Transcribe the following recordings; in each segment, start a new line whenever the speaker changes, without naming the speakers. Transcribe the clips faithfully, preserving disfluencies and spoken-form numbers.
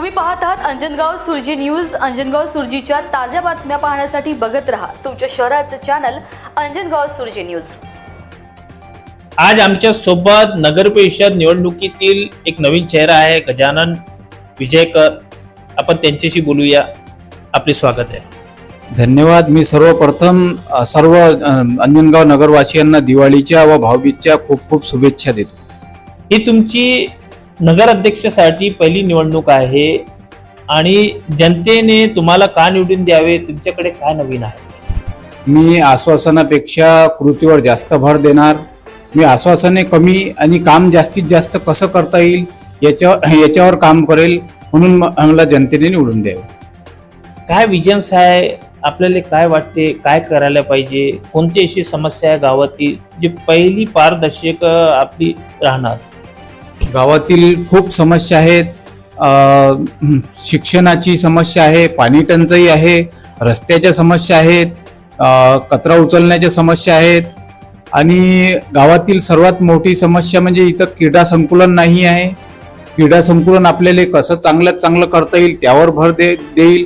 तुम्ही पाहत आहात अंजनगाव सुरजी न्यूज। अंजनगाव सुरजीच्या ताज्या बातम्या पाहण्यासाठी बघत रहा तुमच्या शहराचे चॅनल अंजनगाव सुरजी न्यूज।
आज आमच्या सोबत नगर परिषद निवडणुकीतील एक नवीन चेहरा आहे, गजानन विजयकर। आपण त्यांच्याशी बोलूया। आपले स्वागत आहे।
धन्यवाद। मी सर्वप्रथम सर्व अंजनगाव नगरवासियांना दिवाळीच्या व भाऊबीजच्या खूप खूप शुभेच्छा देतो।
ही तुमची नगर अध्यक्षासाठी पहिली निवडणूक आहे आणि जनतेने तुम्हाला का निवडून द्यावे, तुमच्याकडे काय नवीन आहे?
मी आश्वासनापेक्षा कृतीवर जास्त भर देणार। मी आश्वासने कमी आणि काम जास्तीत जास्त कसं करता येईल याच्या याच्यावर काम करेल, म्हणून मला जनतेने निवडून द्यावे।
काय विजन्स आहे आपल्याला? काय वाटते काय करायला पाहिजे? कोणती अशी समस्या आहे गावातील जी पहिली पारदर्शक आपली राहणार?
गावातील खूप समस्या आहेत। शिक्षणाची समस्या आहे, पाणी टंचाई आहे, रस्त्याच्या समस्या आहेत, कचरा उचलण्याच्या समस्या आहेत आणि गावातील सर्वात मोठी समस्या म्हणजे इथं क्रीडा संकुलन नाही आहे। क्रीडा संकुलन आपल्याला कसं चांगल्यात चांगलं करता येईल त्यावर भर दे देईल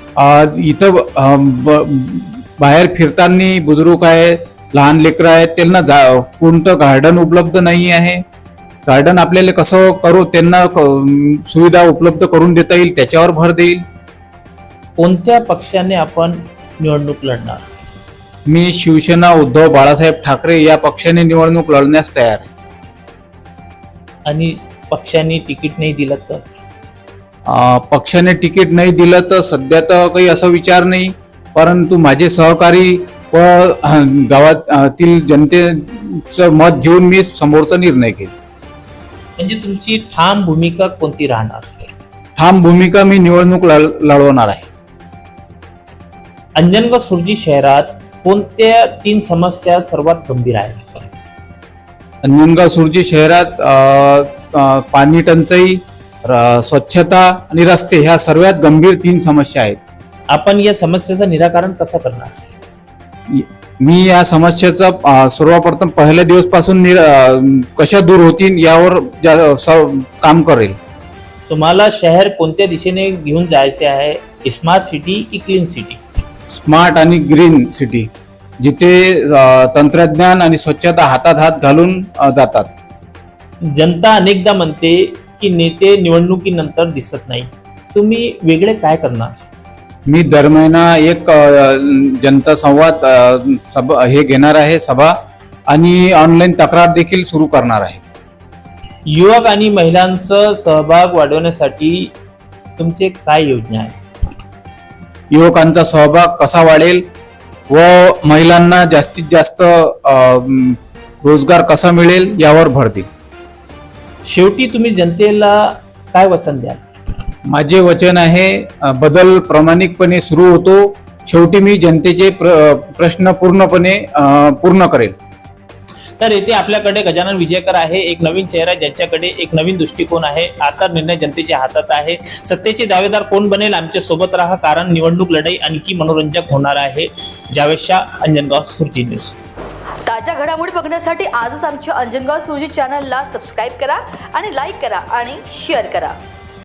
इथं बाहेर फिरताना बुजुर्ग आहे, लहान लेकरं आहेत, त्यांना जा कोणतं गार्डन उपलब्ध नाही आहे। गार्डन आपल्याला कसं करू त्यांना सुविधा उपलब्ध करून देता येईल त्याच्यावर भर देईल।
कोणत्या पक्षाने आपण निवडणूक लढणार?
मी शिवसेना उद्धव बाळासाहेब ठाकरे या पक्षाने निवडणूक लढण्यास तयार आहे।
आणि पक्षाने तिकीट नाही दिलं तर?
पक्षाने तिकीट नाही दिलं तर सध्या तर काही असा विचार नाही, परंतु माझे सहकारी व गावातील जनतेचं मत घेऊन मी समोरचा निर्णय घेईन।
म्हणजे तुमची ठाम भूमिका कोणती राहणार?
ठाम भूमिका मी निवडणूक लढवणार आहे।
अंजनगाव सुरजी शहरात कोणत्या तीन समस्या सर्वात गंभीर आहेत?
अंजनगाव सुरजी शहरात पाणी टंचाई, स्वच्छता आणि रस्ते ह्या सर्वात गंभीर तीन समस्या आहेत।
आपण या समस्येचं निराकरण कसं करणार?
मी या समस्येचा सर्वप्रथम पहिल्या दिवस पासून कशा दूर होतील यावर काम करेल।
तुम्हाला शहर कोणत्या दिशेने घेऊन जायचे आहे? स्मार्ट सिटी की क्लीन सिटी?
स्मार्ट आणि ग्रीन सिटी, जिथे तंत्रज्ञान आणि स्वच्छता हातात हात घालून जातात।
जनता अनेकदा म्हणते की नेते निवडणुकीनंतर दिसत नाही, तुम्ही वेगळे काय करणार?
मी दर महिना एक जनता संवाद सभा हे घेणार आहे सभा आणि ऑनलाईन तक्रार देखील सुरू करणार आहे।
युवक आणि महिलांचा सहभाग वाढवण्यासाठी तुमचे काय योजना आहे?
युवकांचा सहभाग कसा वाढेल व महिलांना जास्तीत जास्त रोजगार कसा मिळेल यावर भर देईल।
शेवटी तुम्ही जनतेला काय वचन द्याल?
माझे वचन आहे, बदल प्रामाणिकपणे सुरू होतो, शेवटी मी जनतेचे प्र, प्रश्न पूर्णपणे पूर्ण करेल।
तर येथे आपल्याकडे गजानन विजयकर आहे, एक नवीन चेहरा ज्याच्याकडे एक नवीन दृष्टिकोन आहे। आता निर्णय जनतेच्या हातात आहे। सत्तेचे दावेदार कोण बनेल? आमच्या सोबत राहा, कारण निवडणूक लढाई आणखी मनोरंजक होणार आहे। जावेद शाह, अंजनगाव सुरजी न्यूज।
ताज्या घडामोडी बघण्यासाठी आजच आमच्या अंजनगाव सुरजी चॅनलला सबस्क्राईब करा आणि लाईक करा आणि शेअर करा।